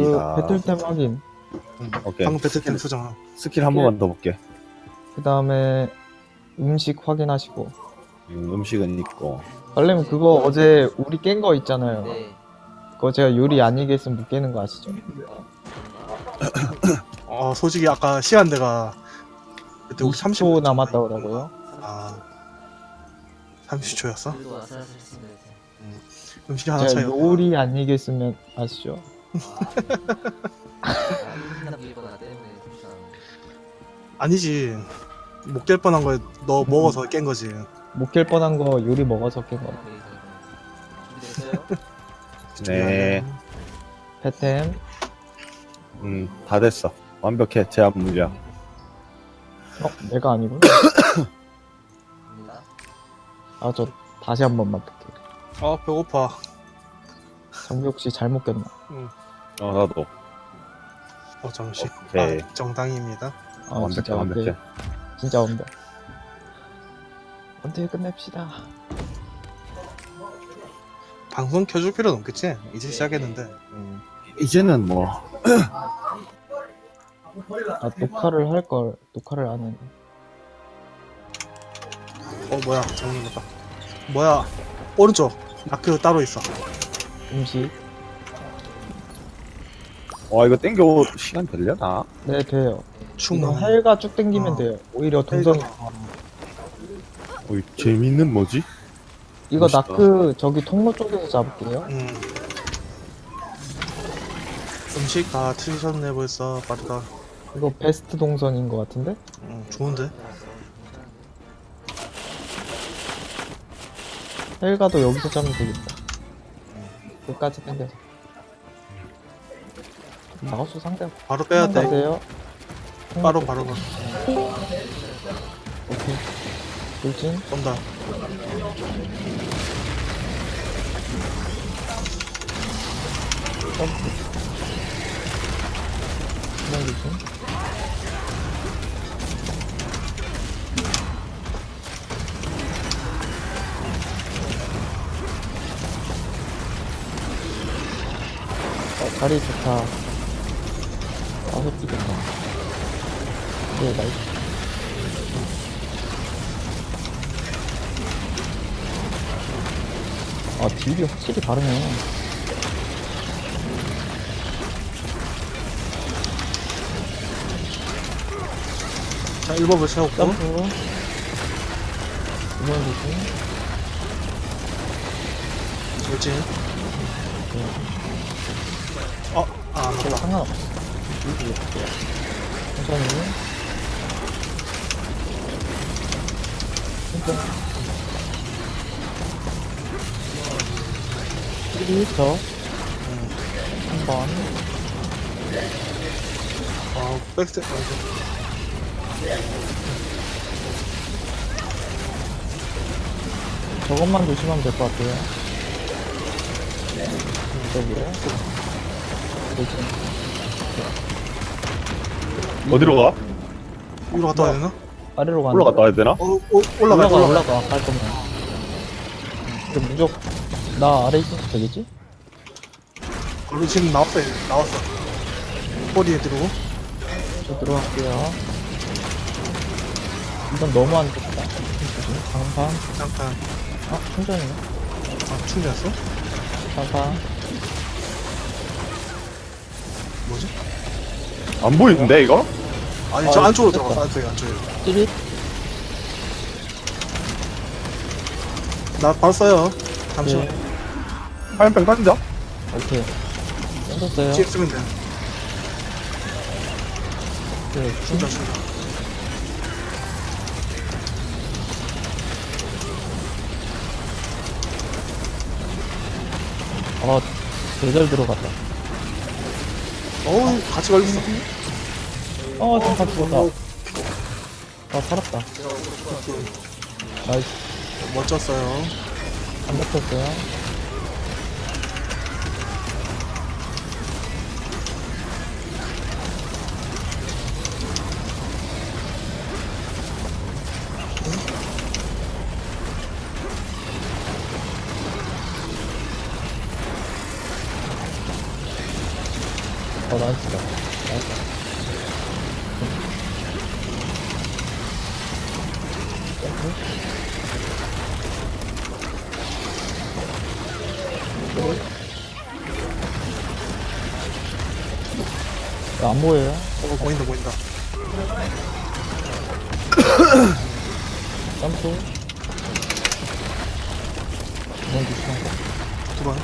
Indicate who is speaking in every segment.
Speaker 1: 배틀템 확인.
Speaker 2: 오케이.
Speaker 3: 방금 배틀템 수정.
Speaker 2: 스킬 한 번만 더 볼게.
Speaker 1: 그 다음에 음식 확인하시고.
Speaker 2: 음식은 있고.
Speaker 1: 원래는 그거 어제 우리 깬 거 있잖아요.
Speaker 4: 네.
Speaker 1: 그거 제가 요리 안 이겼으면 못 깨는 거 아시죠?
Speaker 3: 솔직히 아까 시간대가 그때 우리
Speaker 1: 30초 남았다 그러고요.
Speaker 3: 아 30초였어?
Speaker 4: 그리고 아슬아슬했습니다.
Speaker 3: 음식 하나
Speaker 1: 제가
Speaker 3: 차요.
Speaker 1: 요리 안 이겼으면 아시죠?
Speaker 4: 하나 밀거나 때문에 그렇지 않아요.
Speaker 3: 아니지. 못 깰 뻔한 거에 너 먹어서 깬 거지.
Speaker 1: 못 깰 뻔한 거 요리 먹어서 깬 거.
Speaker 4: 준비됐어요?
Speaker 2: 네.
Speaker 1: 배템.
Speaker 2: 다 됐어. 완벽해. 제압 물량.
Speaker 1: 내가 아니고.
Speaker 4: 갑니다.
Speaker 1: 아, 저 다시 한 번만 볼게요.
Speaker 3: 배고파.
Speaker 1: 정비 혹시 잘못 꼈나?
Speaker 2: 나도.
Speaker 3: 잠시.
Speaker 2: 오케이.
Speaker 3: 정당입니다.
Speaker 2: 완벽해.
Speaker 1: 진짜
Speaker 2: 완벽해.
Speaker 1: 진짜 완벽. 언제 끝냅시다.
Speaker 3: 방송 켜줄 필요는 없겠지? 이제 시작했는데.
Speaker 2: 이제는 뭐.
Speaker 1: 녹화를 할 걸. 녹화를 안 했네.
Speaker 3: 뭐야 정리했다. 뭐야 오른쪽 마크 따로 있어.
Speaker 1: 음식.
Speaker 2: 와, 이거 땡겨 시간 되려나?
Speaker 1: 네, 돼요. 이거
Speaker 3: 충분.
Speaker 1: 헬가 쭉 당기면 돼요. 오히려 동성이.
Speaker 2: 재밌는 뭐지?
Speaker 1: 이거
Speaker 2: 멋있다.
Speaker 1: 나크 저기 통로 쪽에서 잡을게요.
Speaker 3: 음식 다 트리셨네 벌써. 빠르다.
Speaker 1: 이거 베스트 동선인 것 같은데?
Speaker 3: 좋은데?
Speaker 1: 헬가도 여기서 잡으면 되겠다. 끝까지 당겨서. 마우스 상대
Speaker 3: 바로 빼야 돼.
Speaker 1: 가세요.
Speaker 3: 바로
Speaker 1: 오케이. 돌진.
Speaker 3: 쏜다.
Speaker 1: 점프. 그냥 돌진. 자리 좋다. 회피 좋다. 네, 나이스. 딜이 확실히 다르네.
Speaker 3: 자 1법을 채웠고.
Speaker 1: 점프. 이번 돌진.
Speaker 3: 돌진. 안
Speaker 1: 제가
Speaker 3: 맞다.
Speaker 1: 상관없어. 이거 볼게요. 천천히. 천천히. 1터. 한 번.
Speaker 3: 백스텝.
Speaker 1: 저것만 조심하면 될 것 같아요. 저기요.
Speaker 2: 어디로 가?
Speaker 3: 위로 갔다 와야 되나?
Speaker 1: 아래로 가는
Speaker 2: 올라갔다 와야 되나?
Speaker 3: 올라가.
Speaker 1: 갈 거면. 근데 무조건 나 아래 있어도 되겠지?
Speaker 3: 우리 지금 나왔어. 꼬리에 들어오고.
Speaker 1: 저 들어갈게요. 이건 너무 안 좋다. 장판.
Speaker 3: 잠깐.
Speaker 1: 충전이네.
Speaker 3: 충전했어?
Speaker 1: 장판.
Speaker 3: 뭐지?
Speaker 2: 안 보이는데, 이거?
Speaker 3: 아니 저 안쪽으로
Speaker 1: 됐다.
Speaker 3: 들어갔어. 안쪽에.
Speaker 1: 찌릿.
Speaker 3: 나 바로 써요. 잠시만.
Speaker 1: 네.
Speaker 2: 화염병 던져?
Speaker 1: 오케이. 던졌어요.
Speaker 3: 지금 쓰면 돼.
Speaker 1: 네,
Speaker 3: 충전.
Speaker 1: 제대로 들어갔다.
Speaker 3: 같이 걸렸어.
Speaker 1: 잠깐 죽었다. 살았다. 나이스.
Speaker 3: 멋졌어요.
Speaker 1: 안 먹혔어요. 나이스다. 나이스. 야, 안 보여요?
Speaker 3: 보인다 보인다.
Speaker 1: 점프. 이번 조심하고.
Speaker 3: 두 번.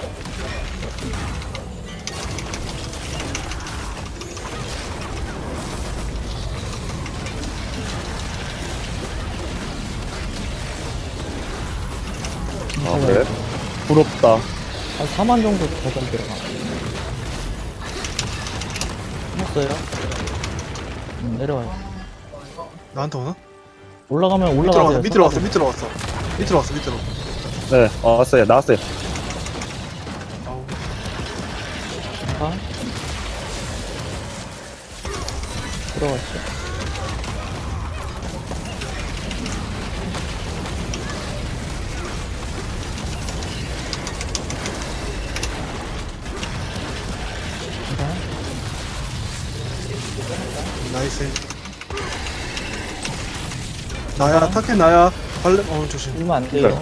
Speaker 2: 아, 그래? 부럽다.
Speaker 1: 한 4만 정도 버전 들어가. 했어요? 내려와요.
Speaker 3: 나한테 오나?
Speaker 1: 올라가면
Speaker 3: 밑으로
Speaker 1: 올라가세요.
Speaker 3: 왔어. 밑으로 왔어. 밑으로 왔어. 밑으로 왔어. 밑으로.
Speaker 2: 네, 왔어요. 나왔어요.
Speaker 3: 아우.
Speaker 1: 잠깐. 들어갔어. 잠깐.
Speaker 3: 나이스. 나야. 타켓 나야. 발레. 조심.
Speaker 1: 울면 안 돼요.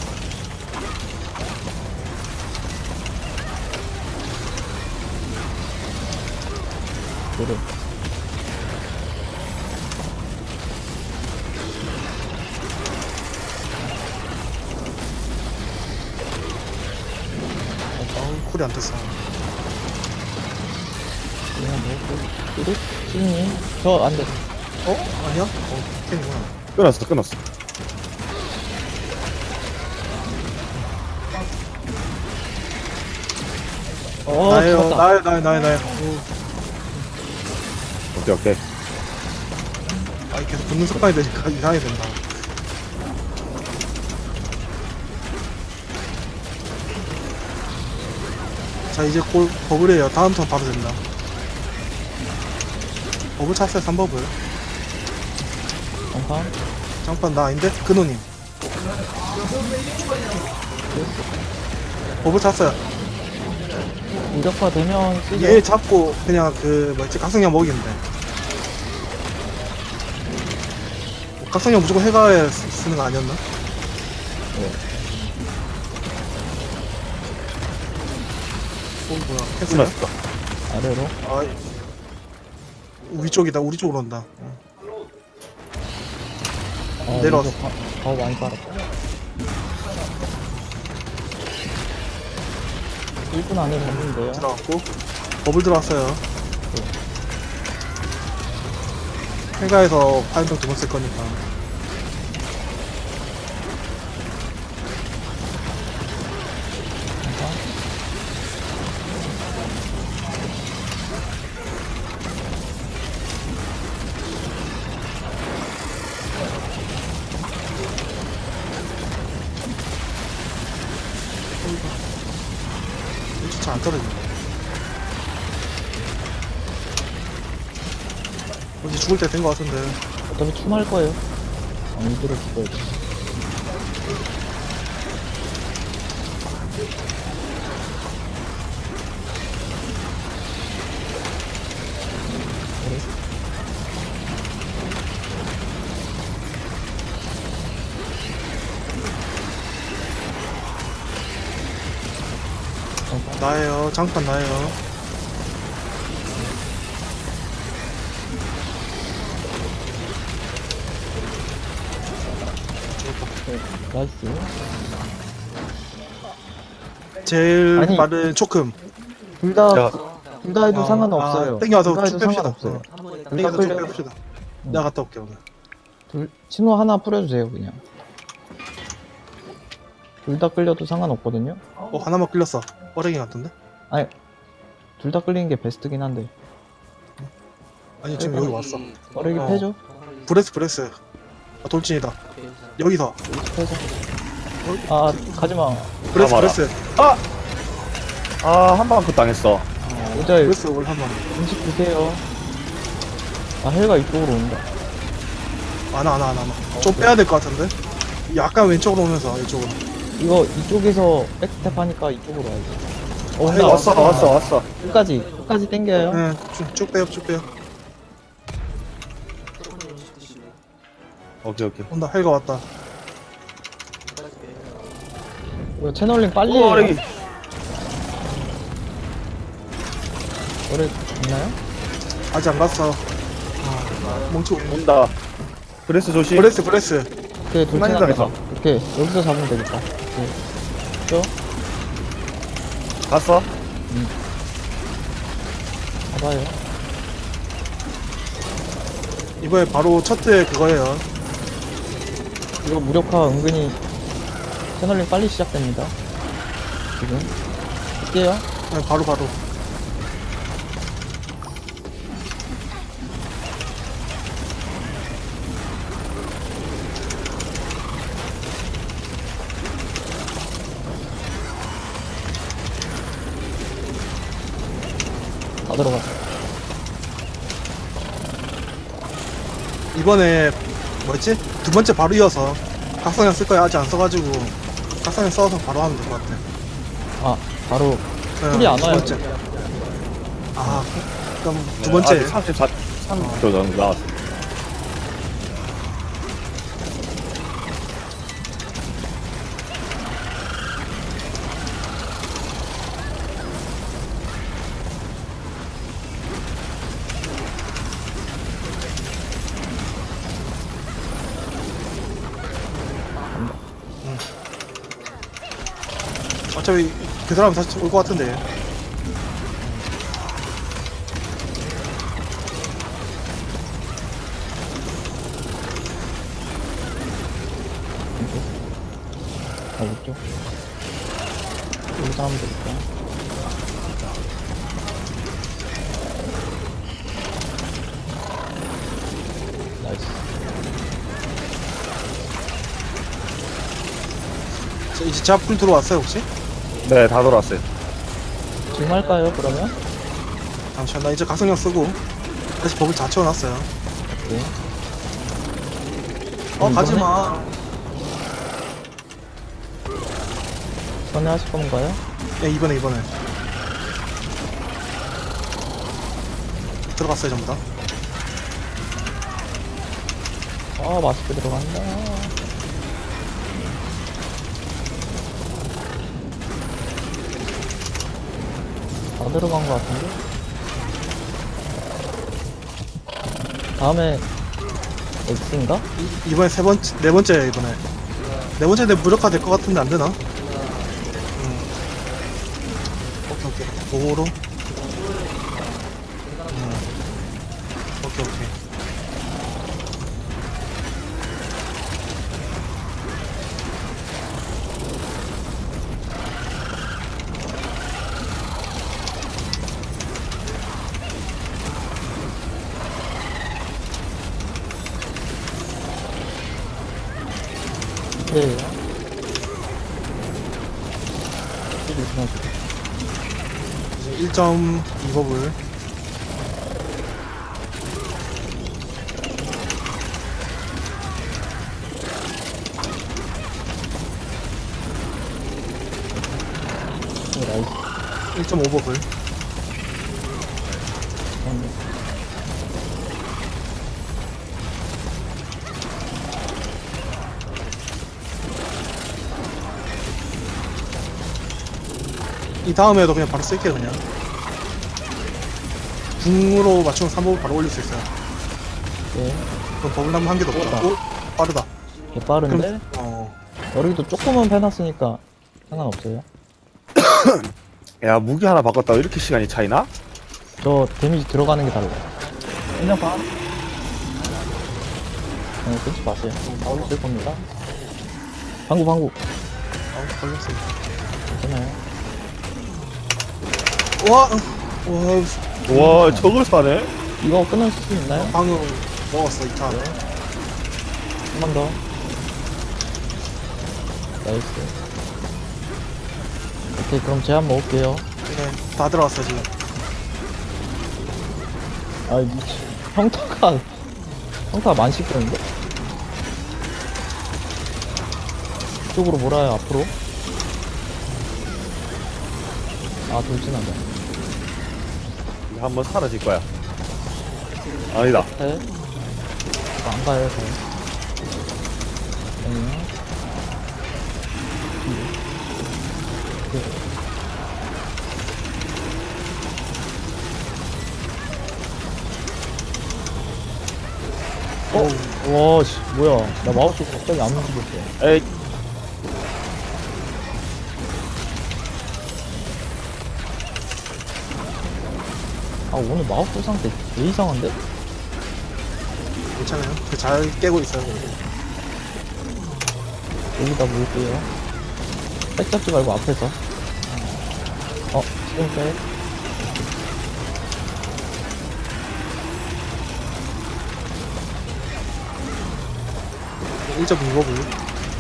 Speaker 1: 노래.
Speaker 3: 아우 쿨이 안 됐어.
Speaker 1: 그냥 뭐, 뚜둑? 찌니? 저 안 돼.
Speaker 3: 아니야? 캔이구나.
Speaker 2: 끊었어.
Speaker 3: 나예요.
Speaker 1: 잡았다.
Speaker 3: 나예요.
Speaker 2: 오케이.
Speaker 3: 아, 계속 붙는 습관이 되니까 이상하게 된다. 자, 이제 골, 버블이에요. 다음 턴 바로 된다. 버블 찼어요, 3버블.
Speaker 1: 잠깐.
Speaker 3: 잠깐, 나 아닌데? 근호님. 버블 찼어요.
Speaker 1: 무력화 되면 쓰죠.
Speaker 3: 얘 잡고, 그냥 뭐였지? 각성량 먹이면 돼. 각성량 무조건 해가에 쓰는 거 아니었나? 뭐야, 했어요?
Speaker 2: 끊었어.
Speaker 1: 아래로.
Speaker 3: 아, 위쪽이다. 우리 쪽으로 온다. 내려왔어.
Speaker 1: 더 많이 빨았다. 1분 안에 잡는데요.
Speaker 3: 들어갔고 버블 들어왔어요. 해가에서 파인병 두 번 쓸 거니까.
Speaker 1: 잠깐.
Speaker 3: 진짜 안 떨어지네. 이제 죽을 때 된 거 같은데.
Speaker 1: 어차피 춤할 거예요. 이들을 죽어야 돼.
Speaker 3: 나예요. 장판 나예요.
Speaker 1: 나이스.
Speaker 3: 제일
Speaker 1: 아니.
Speaker 3: 빠른 초금.
Speaker 1: 둘 다,
Speaker 2: 자,
Speaker 1: 둘 다 해도 상관없어요.
Speaker 3: 땡겨와서
Speaker 1: 둘다 해도
Speaker 3: 쭉 뺍시다.
Speaker 1: 상관없어요.
Speaker 4: 한 번에 딱
Speaker 3: 땡겨서
Speaker 1: 끌려.
Speaker 3: 쭉 뺍시다. 내가 갔다 올게 오늘.
Speaker 1: 신호 하나 뿌려주세요, 그냥. 둘 다 끌려도 상관없거든요?
Speaker 3: 하나만 끌렸어. 어레기 같은데?
Speaker 1: 둘 다 끌리는 게 베스트긴 한데.
Speaker 3: 아니 지금 여기 왔어.
Speaker 1: 어레기
Speaker 3: 어.
Speaker 1: 패죠?
Speaker 3: 브레스. 아, 돌진이다. 여기서.
Speaker 1: 패죠? 아, 가지마.
Speaker 3: 브레스
Speaker 2: 가봐라.
Speaker 3: 브레스.
Speaker 2: 한 방 컷 당했어.
Speaker 1: 모자에
Speaker 3: 브레스 올 한번.
Speaker 1: 음식 드세요. 아, 헬가 이쪽으로 온다.
Speaker 3: 안와. 좀 빼야 될 것 같은데? 약간 왼쪽으로 오면서 이쪽으로.
Speaker 1: 이거 이쪽에서 백스텝 하니까 이쪽으로 와야지. 온다.
Speaker 2: 왔어.
Speaker 1: 끝까지 당겨요.
Speaker 3: 네, 쭉 빼요, 쭉 빼요.
Speaker 4: 조금 좀 드시고.
Speaker 2: 오케이.
Speaker 3: 온다, 헬가 왔다.
Speaker 4: 끝까지 빼요.
Speaker 1: 이거 채널링 빨리
Speaker 2: 오,
Speaker 1: 해요.
Speaker 2: 아래기.
Speaker 1: 노래 있나요?
Speaker 3: 아직 안 갔어. 아, 뭉치.
Speaker 2: 온다. 브레스 조심.
Speaker 3: 브레스.
Speaker 1: 오케이,
Speaker 2: 순간이동해서.
Speaker 1: 돌진하면서. 이렇게, 여기서 잡으면 되겠다. 오케이. 죠?
Speaker 2: 갔어.
Speaker 1: 봐봐요.
Speaker 3: 이번에 바로 첫째 그거예요.
Speaker 1: 이거 무력화 은근히 채널링 빨리 시작됩니다. 지금. 할게요.
Speaker 3: 네, 바로.
Speaker 1: 다 들어갔어.
Speaker 3: 이번에 뭐였지? 두 번째 바로 이어서 각성형 쓸 거야. 아직 안 써가지고 각성형 써서 바로 하면 될 것 같아.
Speaker 1: 아, 바로
Speaker 3: 네,
Speaker 1: 풀이 안
Speaker 3: 두
Speaker 1: 와요.
Speaker 3: 번째. 아, 그럼 두 번째.
Speaker 2: 3초 정도 나왔어.
Speaker 3: 어차피 그 사람 다시 올 것 같은데.
Speaker 1: 가보죠. 여기서 하면 되겠다. 나이스.
Speaker 3: 자, 이제 제압풀 들어왔어요 혹시?
Speaker 2: 네, 다 돌아왔어요.
Speaker 1: 지금 할까요, 그러면?
Speaker 3: 잠시만, 나 이제 각성형 쓰고 다시 버블 다 채워놨어요.
Speaker 1: 오케이.
Speaker 3: 가지마.
Speaker 1: 전에 하실 건가요?
Speaker 3: 예, 이번에 들어갔어요 전부 다.
Speaker 1: 아, 맛있게 들어간다. 다 들어간 것 같은데? 다음에 X인가?
Speaker 3: 이번에 네 번째야 이번에. 네 번째 내 무력화 될 것 같은데 안 되나? 오케이. 오로. 오케이.
Speaker 1: 네. 이렇게 해가지고.
Speaker 3: 이제 1.2법을.
Speaker 1: 나이스.
Speaker 3: 1.5법을. 이 다음에도 그냥 바로 쓸게요 그냥. 궁으로 맞추면 3법을 바로 올릴 수 있어요.
Speaker 1: 네.
Speaker 3: 그럼 버블나무 한 개도 없다. 오, 빠르다.
Speaker 1: 개 빠른데? 여기도 조금은 빼놨으니까 상관없어요.
Speaker 2: 야, 무기 하나 바꿨다고 이렇게 시간이 차이나?
Speaker 1: 저 데미지 들어가는 게 달라요. 그냥 봐. 끊지 마세요. 바로 쓸 겁니다. 방구.
Speaker 3: 걸렸어요.
Speaker 1: 괜찮아요.
Speaker 3: 와,
Speaker 2: 와, 저걸 사네?
Speaker 1: 이거 끊을 수 있나요?
Speaker 3: 방금 먹었어 2차.
Speaker 1: 한 번 더. 나이스. 오케이, 그럼 제한 먹을게요.
Speaker 3: 네, 다 들어왔어 지금.
Speaker 1: 아이, 미치. 평타가 만식되는데? 이쪽으로 몰아요, 앞으로. 아, 돌진하자.
Speaker 2: 한번 사라질 거야. 아니다.
Speaker 1: 해. 안 가요, 저. 아니요. 와, 씨, 뭐야. 나 마우스 갑자기 안 움직였어.
Speaker 2: 에이,
Speaker 1: 아, 오늘 마우스 상태 개 이상한데?
Speaker 3: 괜찮아요. 잘 깨고 있어요.
Speaker 1: 여기다 물게요. 백 잡지 말고 앞에서. 지금 백.
Speaker 3: 1.2법을.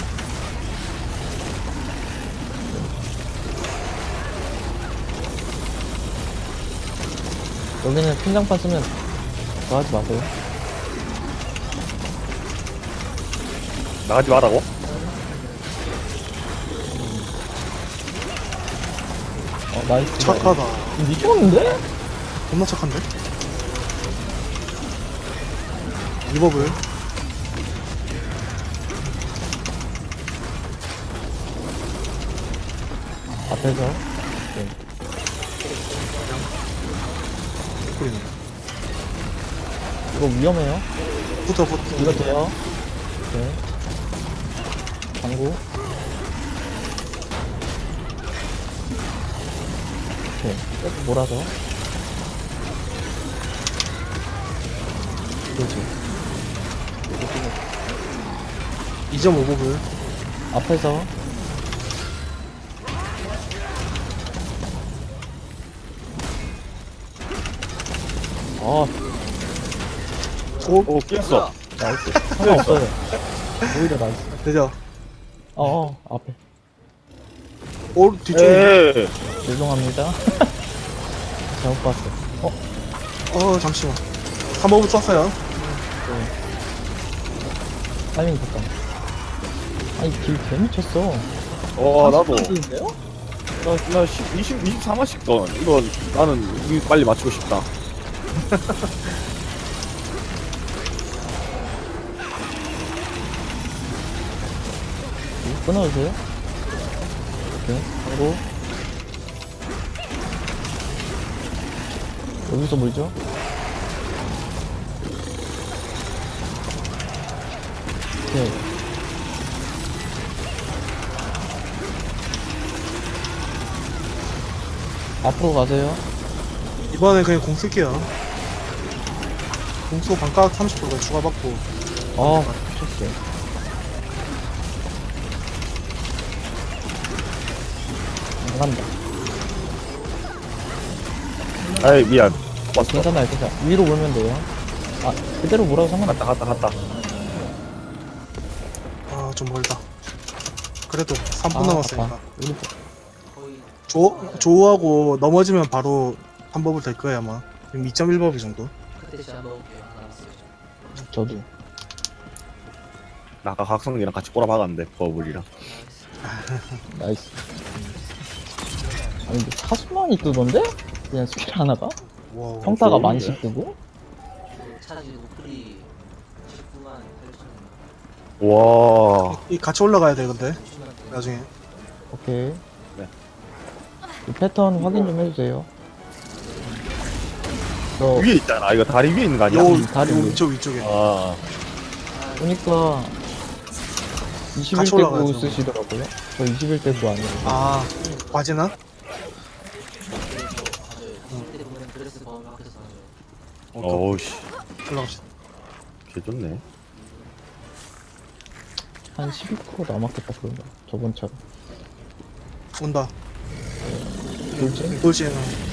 Speaker 1: 여기는 팀장판 쓰면 그거 하지 마세요.
Speaker 2: 나가지 말라고?
Speaker 1: 나이스.
Speaker 3: 착하다.
Speaker 1: 미쳤는데?
Speaker 3: 겁나 착한데? 2법을.
Speaker 1: 앞에서.
Speaker 3: 뿌리네.
Speaker 1: 이거 위험해요.
Speaker 3: 붙어.
Speaker 1: 이거 돼요. 오케이. 당구. 오케이. 쭉 몰아서. 그렇지.
Speaker 3: 2.5법을.
Speaker 1: 앞에서. 아,
Speaker 2: 오, 끼었어.
Speaker 1: 나이스. 상관없어요. 오히려 나이스.
Speaker 3: 되죠?
Speaker 1: 앞에.
Speaker 3: 오, 뒤쪽에.
Speaker 2: 에이,
Speaker 1: 죄송합니다. 잘못 봤어.
Speaker 3: 잠시만. 3법을 썼어요.
Speaker 1: 타이밍 좋다. 아니, 길 개미쳤어.
Speaker 2: 나도.
Speaker 1: 인데요?
Speaker 2: 나 24만씩 던. 이거, 나는 이거 빨리 맞추고 싶다.
Speaker 1: 끊어주세요. 오케이. 하고. 여기서 물죠? 오케이. 앞으로 가세요.
Speaker 3: 이번에 그냥 공 쓸게요. 공수 반값 30%가 추가받고.
Speaker 1: 미쳤어. 안 간다.
Speaker 2: 아이, 미안. 왔어.
Speaker 1: 괜찮아요, 괜찮아. 위로 몰면 돼요. 그대로 몰아도 상관없어.
Speaker 2: 갔다.
Speaker 3: 좀 멀다. 그래도 3분 남았으니까.
Speaker 1: 아깝다. 우리
Speaker 4: 거의
Speaker 3: 조우하고 넘어지면 바로 3법을 될 거예요, 아마. 지금 2.1법이 정도.
Speaker 4: 그때 제가 넣을게요. 하나 남았어요.
Speaker 1: 저도.
Speaker 2: 나 아까 각성기랑 같이 꼬라박았는데, 버블이랑.
Speaker 4: 나이스.
Speaker 1: 나이스. 아니, 근데 40만이 뜨던데? 그냥 스킬 하나가?
Speaker 3: 와우.
Speaker 1: 평타가
Speaker 2: 좋은데?
Speaker 1: 만씩 뜨고?
Speaker 4: 그 차지 노플이 19만 8천
Speaker 2: 와.
Speaker 3: 이 같이 올라가야 돼, 근데.
Speaker 4: 60만
Speaker 3: 나중에.
Speaker 1: 오케이.
Speaker 2: 네.
Speaker 1: 이 패턴 확인 좀 해주세요. 저,
Speaker 2: 위에 있잖아. 이거 다리 위에 있는 거 아니야?
Speaker 3: 요,
Speaker 1: 다리
Speaker 3: 요
Speaker 1: 위에.
Speaker 3: 위쪽에.
Speaker 2: 아,
Speaker 1: 보니까
Speaker 3: 같이
Speaker 1: 21대 9
Speaker 3: 올라가야죠.
Speaker 1: 쓰시더라고요. 저 21대 9 아니에요.
Speaker 3: 과제나?
Speaker 4: 그때 보면 드레스 범위 앞에서 나와요.
Speaker 2: 어우씨.
Speaker 3: 올라갑시다.
Speaker 2: 개 좋네.
Speaker 1: 한 12% 남았겠다, 그런가. 저번처럼.
Speaker 3: 온다.
Speaker 1: 돌진?
Speaker 3: 돌지에는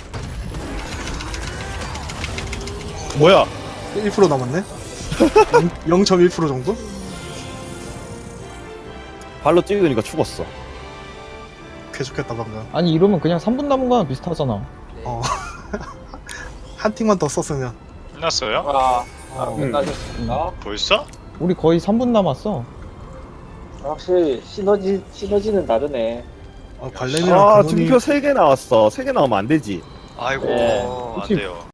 Speaker 2: 뭐야?
Speaker 3: 1% 남았네? 0.1% 정도?
Speaker 2: 발로 찍으니까 죽었어.
Speaker 3: 개 좋겠다, 방금.
Speaker 1: 아니, 이러면 그냥 3분 남은 거랑 비슷하잖아.
Speaker 4: 네.
Speaker 3: 한 틱만 더 썼으면.
Speaker 5: 끝났어요?
Speaker 6: 끝나셨습니다.
Speaker 5: 벌써?
Speaker 1: 우리 거의 3분 남았어.
Speaker 6: 확실히 시너지는 다르네.
Speaker 3: 관렘이랑
Speaker 2: 아
Speaker 3: 근원이
Speaker 2: 증표 3개 나왔어. 3개 나오면 안 되지.
Speaker 5: 아이고
Speaker 1: 네.
Speaker 5: 안
Speaker 1: 혹시
Speaker 5: 돼요.